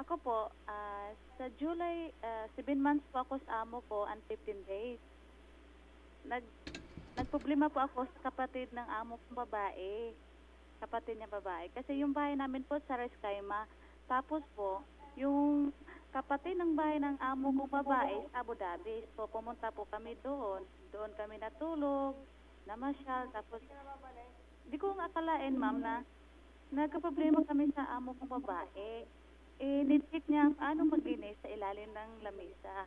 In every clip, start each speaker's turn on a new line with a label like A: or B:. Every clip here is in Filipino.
A: Ako po, sa July, 7 months po ako sa amo ko and 15 days. Nag, nagproblema po ako sa kapatid ng amo kong babae. Kapatid niya babae. Kasi yung bahay namin po sa Rescaima. Tapos po, yung kapatid ng bahay ng amo kong babae sa Abu Dhabi. So, pumunta po kami doon. Doon kami natulog, namasyal. Tapos, di ko nga akalain, ma'am, na nagkaproblema kami sa amo kong babae. Nitpick niya ano maglinis sa ilalim ng lamesa.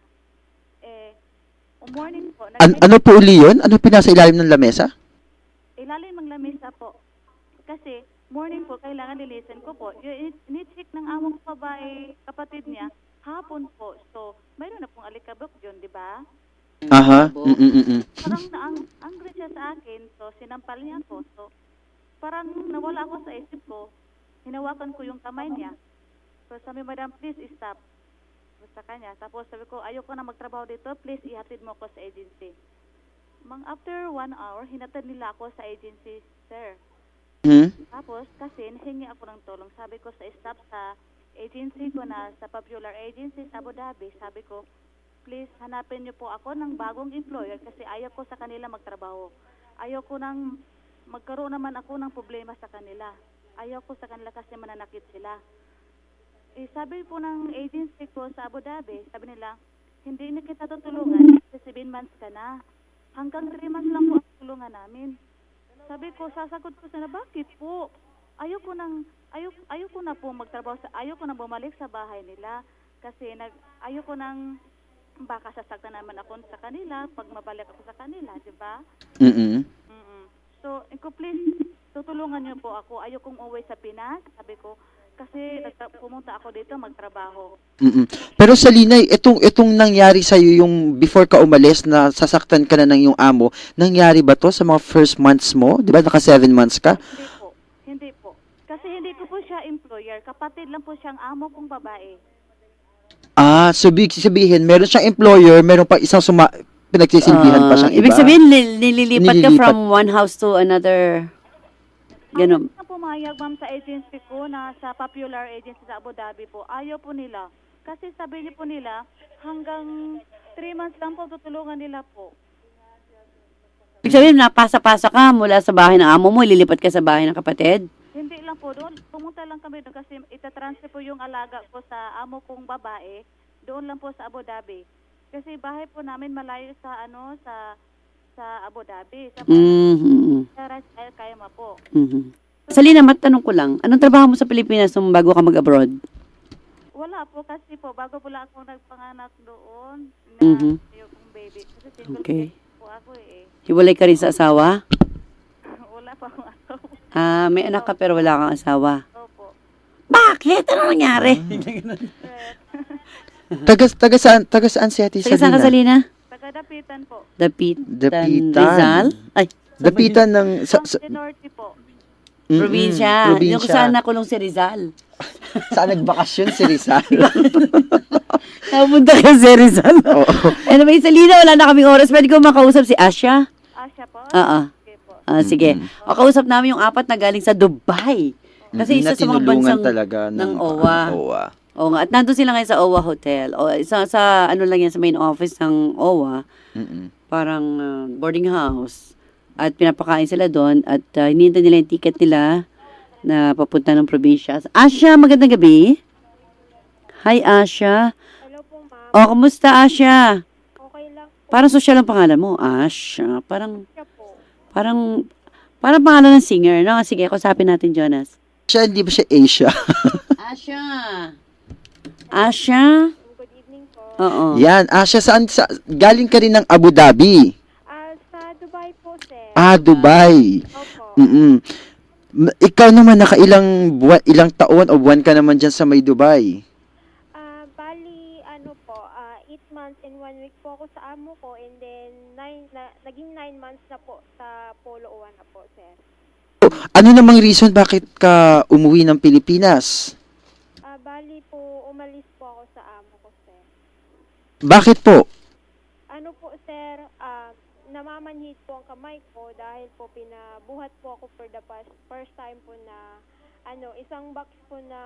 A: Morning po,
B: Ano po uli yun? Ano pinasa ilalim ng lamesa?
A: ilalim ng lamesa po. Kasi, morning po, kailangan lilisin ko po. Yung nitpick ng amo kong babae, kapatid niya, hapon po. So, mayroon na pong alikabok yun, di ba?
B: Aha.
A: Parang angry siya sa akin, so sinampal niya ako. So, parang nawala ako sa isip ko. Hinawakan ko yung kamay niya. So, sabi, madam, please stop. Sa kanya. Tapos sabi ko, ayoko na magtrabaho dito. Please, ihatid mo ako sa agency. After 1 hour, hinatid nila ako sa agency, sir. Tapos, kasi nahingi ako ng tulong. Sabi ko sa staff sa agency ko na sa Popular Agency sa Abu Dhabi, sabi ko, please, hanapin niyo po ako ng bagong employer kasi ayaw ko sa kanila magtrabaho. Ayaw ko nang magkaroon naman ako ng problema sa kanila. Ayaw ko sa kanila kasi mananakit sila. Sabi po ng agency ko sa Abu Dhabi, sabi nila, hindi na kita tutulungan kasi 7 months ka na. Hanggang 3 months lang po ang tulungan namin. Sabi ko, sasagot ko sana, bakit po? Ayoko na po magtrabaho ayoko na bumalik sa bahay nila kasi ayoko nang baka sasaktan naman ako sa kanila pag mabalik ako sa kanila, di ba? So, please, tutulungan niyo po ako. Ayokong uwi sa Pinas, sabi ko, kasi pumunta ako dito magtrabaho.
B: Pero Salina, itong nangyari sa yung before ka umalis na sasaktan ka na ng yung amo, nangyari ba to sa mga first months mo? 'Di ba naka 7 months ka?
A: Hindi po. Kasi hindi ko po siya employer. Kapatid lang po siyang amo kong babae.
B: So big sabihin, meron siyang employer, meron pa isang pinagsisilbihan pa siyang iba.
C: Ibig sabihin, nililipat ka from one house to another. Ganun.
A: Ayaw na pumayag, ma'am, sa agency ko na sa Popular Agency sa Abu Dhabi po. Ayaw po nila. Kasi sabi niyo po nila, hanggang 3 months lang po tutulungan nila po.
C: Ibig sabihin, napasa-pasa ka mula sa bahay ng amo mo, ililipat ka sa bahay ng kapatid?
A: Hindi lang po doon. Pumunta lang kami doon kasi itatransfer po yung alaga ko sa amo kong babae. Doon lang po sa Abu Dhabi. Kasi bahay po namin malayo sa sa Abu Dhabi. Sa Ras Al Khaimah po.
C: Salina, matanong ko lang, anong trabaho mo sa Pilipinas nung bago ka mag-abroad?
A: Wala po kasi po, bago po lang ako nagpanganak doon na yung baby. Kasi single parent po ako eh.
C: Hiwalay ka rin sa asawa?
A: Wala pa akong asawa.
C: May anak ka pero wala kang asawa.
A: Opo.
C: Bakit? Ano nangyari?
B: Taga saan si Ate
C: Taga saan ka,
B: Salina?
C: Salina?
A: Taga-Dapitan po.
C: Dapitan. Rizal? Ay,
B: Dapitan ng
A: Norte po.
C: probinsya. Yung kung saan nakulong si Rizal.
B: Saan nagbakasyon si Rizal?
C: Napunta ka si Rizal. Anyway, Salina, wala na kaming oras. Pwede ko makausap si Asya?
A: Asya po?
C: Oo.
A: Okay po.
C: Sige. O, kausap namin yung 4 na galing sa Dubai. Kasi isa sa mga bansang
B: talaga
C: ng OWA. Oo nga. At nandun sila ngayon sa OWA Hotel. O, sa ano lang yan, sa main office ng OWA. Parang boarding house. At pinapakain sila doon. At hinihintay nila yung ticket nila na papunta ng probinsya. Asya, magandang gabi. Hi, Asya.
D: Hello po, ma'am.
C: O, kumusta, Asya?
D: Okay lang po
C: Parang social ang pangalan mo. Asya. Parang
D: siya po.
C: pangalan ng singer, no? Sige, kusapin natin, Jonas.
B: Siya, hindi ba siya Asia?
C: Asya. Asya?
D: Good evening po.
C: Oo.
B: Yan, Asia, galing ka rin ng Abu Dhabi?
D: Sa Dubai po, sir.
B: Dubai.
D: Opo.
B: Ikaw naman, ilang taon o buwan ka naman dyan sa may Dubai?
D: Bali, 8 months and 1 week po ako sa amo ko and then naging 9 months na po sa Polo 1 na po, sir.
B: Ano namang reason bakit ka umuwi ng Pilipinas?
D: Bali po, umalis po ako sa amo ko, sir.
B: Bakit po?
D: Ano po, sir, namamanhid po ang kamay ko dahil po pinabuhat po ako for the first time po na isang box po na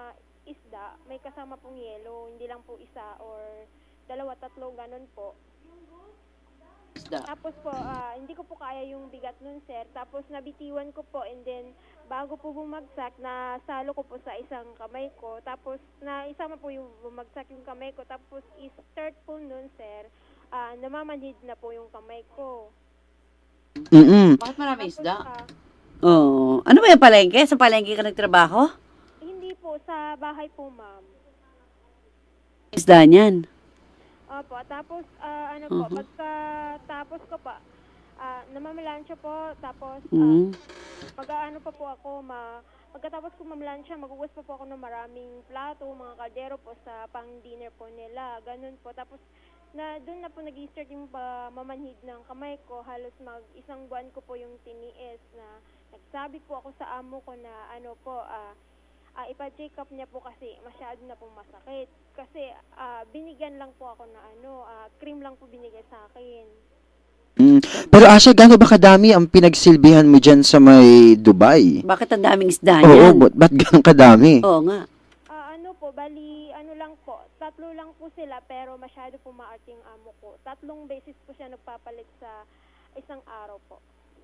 D: isda, may kasama pong yelo, hindi lang po isa or dalawa, tatlo, ganun po. Tapos po, hindi ko po kaya yung bigat nun, sir. Tapos nabitiwan ko po and then bago po bumagsak, nasalo ko po sa isang kamay ko. Tapos naisama po yung bumagsak yung kamay ko. Tapos i-start po nun, sir, namamanhid na po yung kamay ko.
C: Bakit marami isda? Oo. Ano ba yung palengke? Sa palengke ka nagtrabaho?
D: Hindi po, sa bahay po, ma'am.
C: Isda niyan.
D: Opo, tapos po, pagkatapos ko pa, namamalansya po, tapos mag-aano pa po ako, pagkatapos ko mamalansya, magugas pa po ako ng maraming plato, mga kaldero po sa pang-dinner po nila, ganun po. Tapos doon na po nag-start yung mamanhid ng kamay ko, halos isang buwan ko po yung tiniis na nagsabi po ako sa amo ko na ipa-check up niya po kasi masyado na pong masakit. Kasi binigyan lang po ako na cream lang po binigay sa akin.
B: Pero Asha, gaano ba kadami ang pinagsilbihan mo dyan sa may Dubai?
C: Bakit ang daming isda
B: Oo,
C: niyan?
B: ba't gaano kadami?
C: Oo nga.
D: Bali, lang po, 3 lang po sila pero masyado po maarte yung amo ko. 3 beses po siya nagpapalit sa isang araw po.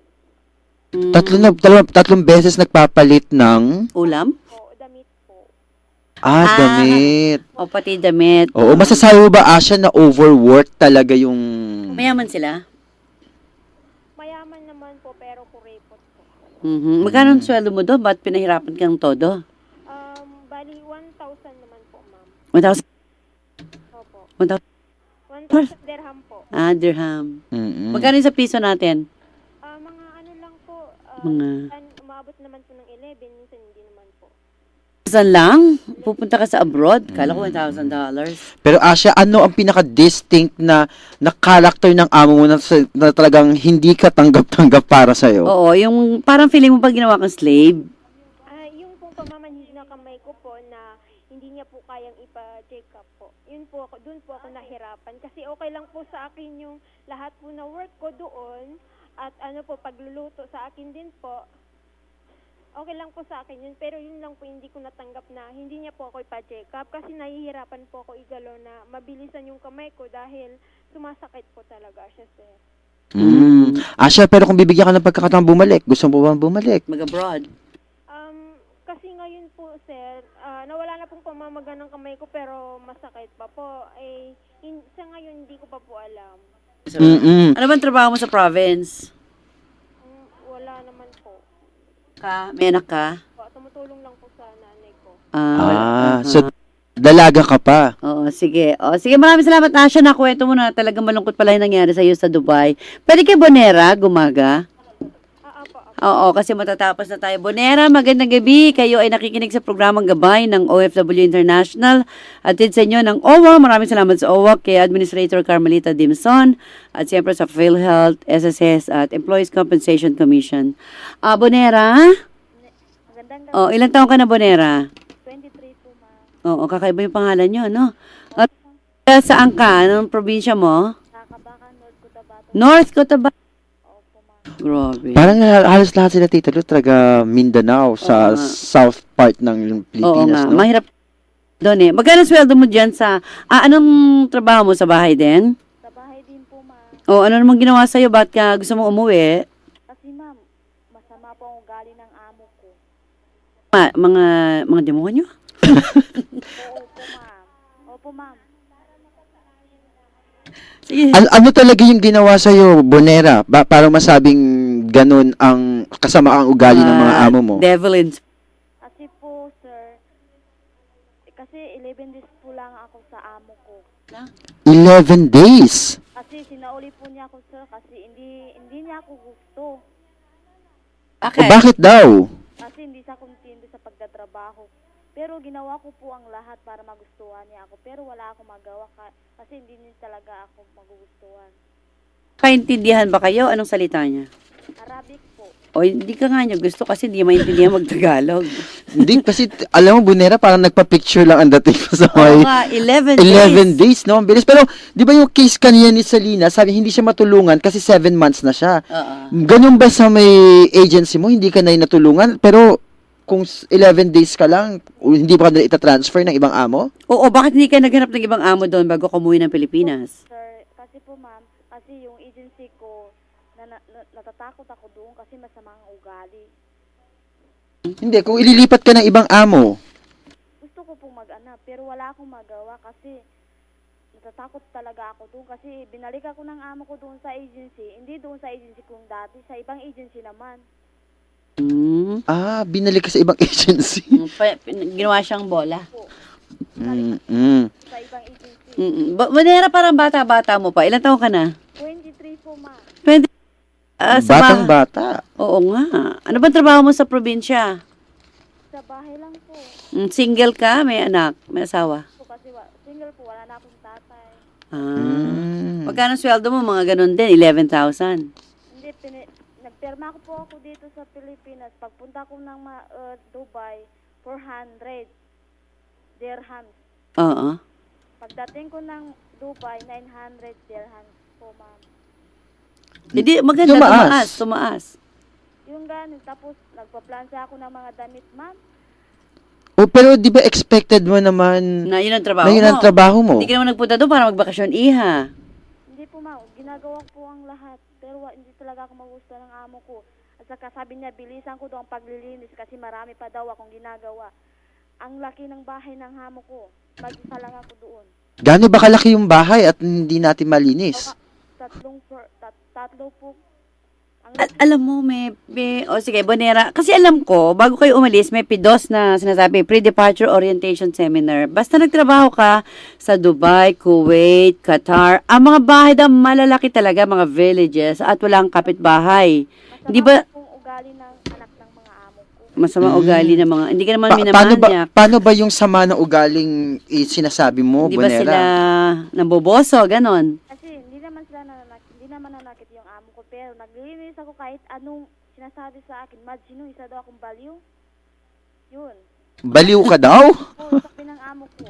B: Tatlong beses nagpapalit ng...
C: Ulam?
D: Damit po.
B: Damit.
C: O pati damit.
B: Oo, masasabi mo ba, Asha, na overwork talaga yung...
C: Mayaman sila?
D: Mayaman naman po pero kuripot po.
C: Magkano ang sweldo mo doon? Ba't pinahirapan kang todo?
D: Bali, 1,000 naman po, ma'am.
C: 1,000?
D: Opo.
C: 1,000?
D: 1,000 dirham po.
C: Dirham. Magkano yung sa piso natin?
D: Mga lang po, umabot naman po ng 11, minsan hindi naman po.
C: Saan lang? Pupunta ka sa abroad? Kala ko $1,000.
B: Pero Asha, ano ang pinaka-distinct na character ng amo mo na talagang hindi ka tanggap-tanggap para sa'yo?
C: Oo, yung parang feeling mo pag ginawa kang slave.
D: Yung pong pamamanhid na kamay ko po na hindi niya po kayang ipa-check up po. Yun po ako, doon po ako nahirapan. Kasi okay lang po sa akin yung lahat po na work ko doon. At pagluluto sa akin din po. Okay lang po sa akin yun. Pero yun lang po hindi ko natanggap na hindi niya po ako ipa-check up. Kasi nahihirapan po ako igalaw na mabilisan yung kamay ko dahil sumasakit po talaga siya, sir.
B: Asha, pero kung bibigyan ka ng pagkakataong bumalik, gusto mo ba bumalik?
C: Mag-abroad?
D: Kasi ngayon po, sir, nawala na pong pamamaga ng kamay ko pero masakit pa po. Sa ngayon, hindi ko pa po alam.
C: Ano bang trabaho mo sa province?
D: Wala naman po.
C: May anak ka?
D: Tumutulong lang po sa nanay ko.
B: So dalaga ka pa.
C: Oo, sige. Sige, maraming salamat, Asha. Nakwento mo na talagang malungkot pala yung nangyari sa'yo sa Dubai. Pwede kay Bonera, gumaga? Oo, kasi matatapos na tayo. Bonera, magandang gabi. Kayo ay nakikinig sa programang Gabay ng OFW International. Atid sa inyo ng OWA. Maraming salamat sa OWA kay Administrator Carmelita Dimson at siyempre sa PhilHealth, SSS at Employees Compensation Commission. Bonera?
A: Magandang gabi.
C: Ilang taon ka na, Bonera?
A: 23 po, ma'am.
C: Kakaiba yung pangalan nyo, no? At saan ka? Anong probinsya mo?
A: Nakabakan, North Cotabato.
C: North Cotabato.
A: Opo, ma'am.
C: Grabe.
B: Parang halos lahat sila, Tita Lu, talaga Mindanao, sa south part ng
C: Oo nga,
B: Pilipinas, no?
C: mahirap doon eh. Magkano sweldo mo dyan sa... anong trabaho mo sa bahay din?
A: Sa bahay din po, ma'am.
C: Ano namang ginawa sa'yo? Ba't ka gusto mo umuwi?
A: Kasi, ma'am, masama po ang ugali ng amo ko.
C: Mga demonyo?
A: Opo, ma'am.
C: Sige.
B: Ano talaga yung ginawa sa'yo, Bonera? Para masabing ganun ang kasamaang ugali ng mga amo mo?
C: Devil in...
A: Kasi po, sir, kasi 11 days po lang ako sa amo ko.
B: 11 days?
A: Kasi sinauli po niya ako, sir, kasi hindi niya ako gusto.
C: Okay.
B: Bakit daw?
A: Kasi hindi siya kontento sa pagtatrabaho. Pero ginawa ko po ang lahat para magustuhan niya ako. Pero wala akong magawa kasi hindi niya talaga ako magugustuhan.
C: Kaintindihan ba kayo? Anong salita niya?
A: Arabic po.
C: Hindi ka nga niya gusto kasi hindi maintindihan mag-Tagalog.
B: Hindi, kasi alam mo, Bonera, parang nagpa-picture lang ang dating ko sa
C: Oo
B: may
C: nga, 11
B: 11 days, no? Ang bilis. Pero, di ba yung case kanina ni Salina, sabi hindi siya matulungan kasi 7 months na siya.
C: Oo.
B: Ganun ba sa may agency mo? Hindi ka na natulungan? Pero, kung 11 days ka lang, hindi ba ka nila itatransfer ng ibang amo?
C: Oo, bakit hindi ka naghanap ng ibang amo doon bago ka umuwi ng Pilipinas?
D: Sir, kasi po ma'am, kasi yung agency ko, natatakot ako doon kasi masama ang ugali.
B: Hindi, kung ililipat ka ng ibang amo.
D: Gusto ko pong mag-anak, pero wala akong magawa kasi natatakot talaga ako doon kasi binalik ako ng amo ko doon sa agency. Hindi doon sa agency kong dati, sa ibang agency naman.
B: Binalik ka sa ibang agency.
C: Ginawa siyang bola.
D: Po,
B: Mm-mm.
D: sa ibang agency.
C: Manera, parang bata-bata mo pa. Ilan taon ka na?
D: 23 po ma'am.
B: Batang-bata.
C: Oo nga. Ano ba trabaho mo sa probinsya?
D: Sa bahay lang po.
C: Single ka? May anak? May asawa?
D: Po kasi single po, wala na akong tatay.
C: Magkano sweldo mo? Mga ganun din, 11,000.
D: Hindi, nagpirma ko po ako dito sa Pilipinas. Pagpunta ko ng Dubai, 400 dirhams.
C: Oo.
D: Pagdating ko ng Dubai, 900 dirhams po, ma'am.
C: Hindi, maganda. Tumaas.
D: Yung ganun, tapos nagpa-plansa ako ng mga damit, ma'am.
B: Pero di ba expected mo naman
C: Na yun ang trabaho
B: na yun ang
C: mo.
B: trabaho mo?
C: Hindi ka naman nagpunta doon para magbakasyon, iha.
D: Hindi po, ma'am. Ginagawa ko po ang lahat. Pero hindi talaga ako magusto ng amo ko. At saka sabi niya, bilisan ko daw ang paglilinis kasi marami pa daw akong ginagawa. Ang laki ng bahay ng amo ko. Mag-isa lang ako doon.
B: Gaano ba kalaki yung bahay at hindi natin malinis?
D: Tatlo po.
C: Alam mo, sige, Bonera, kasi alam ko, bago kayo umalis, may PIDOS na sinasabi, Pre-Departure Orientation Seminar. Basta nagtrabaho ka sa Dubai, Kuwait, Qatar, ang mga bahay daw malalaki talaga, mga villages, at walang kapitbahay. Hindi ba,
D: Masama pong ugali ng anak ng mga amo ko.
C: masama ugali ng mga, hindi ka naman minamanyak.
B: Paano ba yung sama ng ugaling sinasabi mo,
C: Hindi ba
B: Bonera?
C: sila naboboso, ganon?
D: Kasi hindi naman nanakit yung amo ko. Pero naglilinis ako kahit anong sinasabi sa akin. Sino isa daw akong baliw? Yun.
B: Baliw ka daw?
D: Oo, sabi ng amo ko.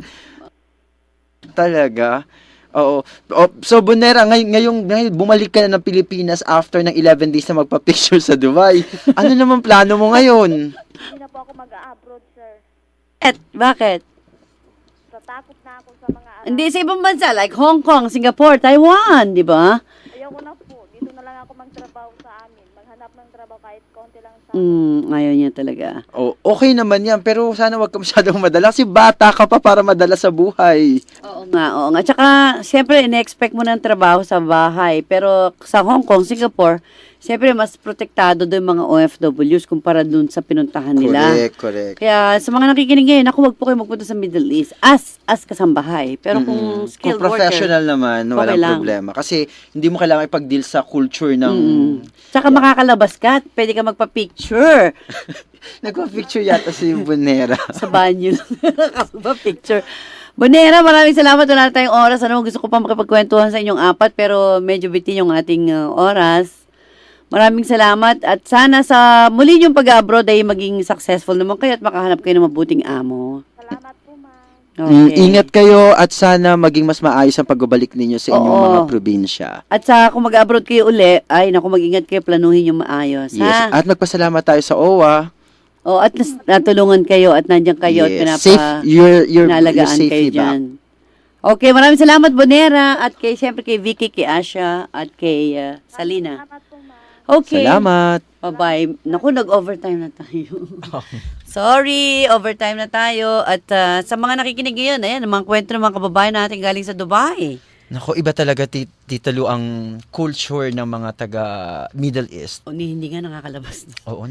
B: Talaga? Oo. So, Bonera, ngayong bumalik ka na ng Pilipinas after ng 11 days na magpa-picture sa Dubai. Ano naman plano mo ngayon?
D: Hindi na po ako mag-abroad, sir.
C: Bakit?
D: Tatakot na ako sa mga anak.
C: Hindi, sa ibang bansa, like Hong Kong, Singapore, Taiwan, di ba?
D: Ayoko na po. Dito na lang ako magtrabaho sa amin. Maghanap ng trabaho kahit konti lang sa
C: Ayaw niya talaga.
B: Okay naman yan, pero sana wag ka masyadong madala kasi bata ka pa para madala sa buhay.
C: Oo nga. Tsaka, siyempre, ine-expect mo ng trabaho sa bahay. Pero sa Hong Kong, Singapore, siyempre, mas protektado doon mga OFWs kumpara doon sa pinuntahan nila.
B: Correct.
C: Kaya, sa mga nakikinig ngayon, wag po kayo magpunta sa Middle East as kasambahay. Pero kung skilled
B: Kung professional
C: worker,
B: naman,
C: okay
B: walang
C: lang.
B: problema. Kasi hindi mo kailangan ipag-deal sa culture ng...
C: Tsaka makakalabas ka at pwede ka magpa-picture
B: Nagpa-picture yata si Bonera.
C: sa banyo. Nakapag-picture. Bonera, maraming salamat. Wala na tayong oras. Gusto ko pa makipagkwentuhan sa inyong apat, pero medyo bitin yung ating oras. Maraming salamat at sana sa muli yung pag-abroad ay maging successful naman kayo at makahanap kayo ng mabuting amo.
D: Salamat po, ma'am.
C: Okay.
B: Ingat kayo at sana maging mas maayos ang pagbabalik ninyo sa inyong
C: Oo.
B: mga probinsya.
C: At sa kung mag-abroad kayo uli, mag-ingat kayo, planuhin yung maayos.
B: Yes.
C: Ha?
B: At magpasalamat tayo sa OWA.
C: At natulungan kayo at nandiyan kayo at
B: Safe, you're
C: pinalagaan
B: safely
C: kayo
B: back.
C: dyan. Okay, maraming salamat, Bonera, at siyempre kay Vicky, kay Asha, at kay Salina.
D: Salamat po, ma'am.
C: Okay.
B: Salamat.
C: Bye-bye. Naku, nag-overtime na tayo. Sorry, overtime na tayo. At sa mga nakikinig ngayon, ayan, mga kwento ng mga kababayan natin galing sa Dubai.
B: Nako, iba talaga, Tita Lu, ang culture ng mga taga Middle East.
C: Hindi nga nakakalabas.
B: Oo,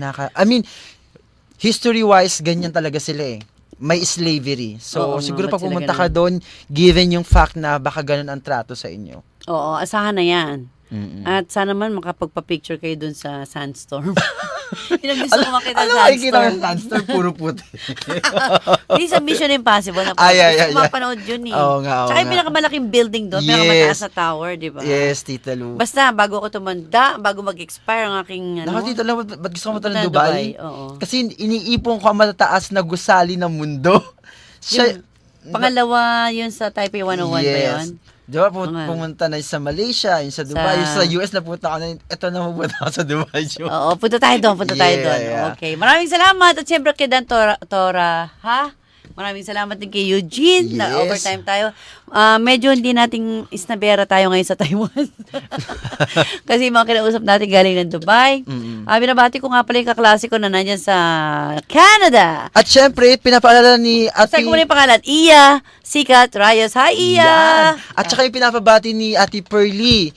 B: history-wise, ganyan talaga sila eh. May slavery. So,
C: Oo,
B: siguro
C: ba't
B: pag
C: sila
B: pumunta
C: ganun?
B: ka doon, given yung fact na baka ganun ang trato sa inyo.
C: Oo, asahan na yan.
B: Mm-mm.
C: At sana man makapagpa-picture kayo dun sa sandstorm. Yun ang gusto ko makita
B: Ano
C: sa
B: makikita
C: sandstorm.
B: ng sandstorm? Puro puti.
C: Hindi sa Mission Impossible.
B: Ay.
C: Mapanood yun eh.
B: Oo nga.
C: Tsaka yung pinakamalaking building doon,
B: Yes.
C: pinakamataas na tower, di ba?
B: Yes, Tita Lu.
C: Basta, bago ako tumanda, bago mag-expire ang aking,
B: Nako, Tita Lu, ba't gusto mo
C: punta
B: ng
C: ng
B: Dubai?
C: Oo.
B: Kasi iniipon ko ang matataas na gusali ng mundo. Siya,
C: Pangalawa, yun sa Taipei 101 ba yun?
B: Di ba, pumunta na sa Malaysia, yung sa Dubai, yung sa US na punta ka na, ito na pupunta ako sa Dubai.
C: Oo, punta tayo doon.
B: Yeah.
C: Okay, maraming salamat. At siyempre kay Dan Tora, ha? Maraming salamat din kay Eugene na overtime tayo. Medyo hindi nating isnabera tayo ngayon sa Taiwan. Kasi mga kinausap natin galing ng Dubai. Binabati ko nga pala yung kaklase ko na nandyan sa Canada.
B: At syempre, pinapaalala ni Ate...
C: Saan ko muna yung pangalan? Iya Sikat Rayos. Hi, Iya!
B: Yan. At saka yung pinapabati ni Ate Pearly,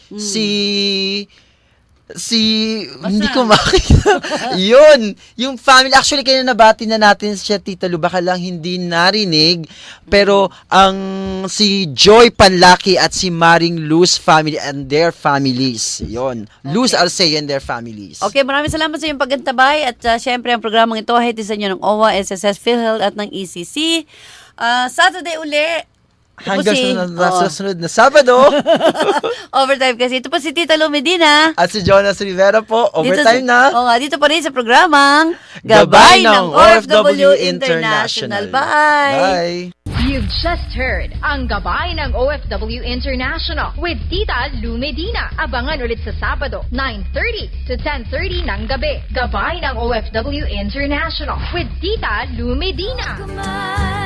B: hindi ko makita. Yun, yung family, actually kaya nabati na natin siya, Tita Lu, baka lang hindi narinig, pero ang si Joy Panlaki at si Maring Luz family and their families. Yun, Luz Arceo and their families.
C: Okay, maraming salamat sa iyong paggantabay at syempre ang programang ito ay hatid sa inyo ng OWA, SSS, PhilHealth at ng ECC. Saturday uli.
B: Hanggang sa sunod na Sabado.
C: Overtime kasi. Ito po si Tita Lu Medina.
B: At si Jonas Rivera po. Overtime na.
C: Dito pa rin sa programang Gabay ng OFW International. Bye!
B: Bye!
E: You've just heard ang Gabay ng OFW International with Tita Lu Medina. Abangan ulit sa Sabado, 9:30 to 10:30 ng gabi. Gabay ng OFW International with Tita Lu Medina.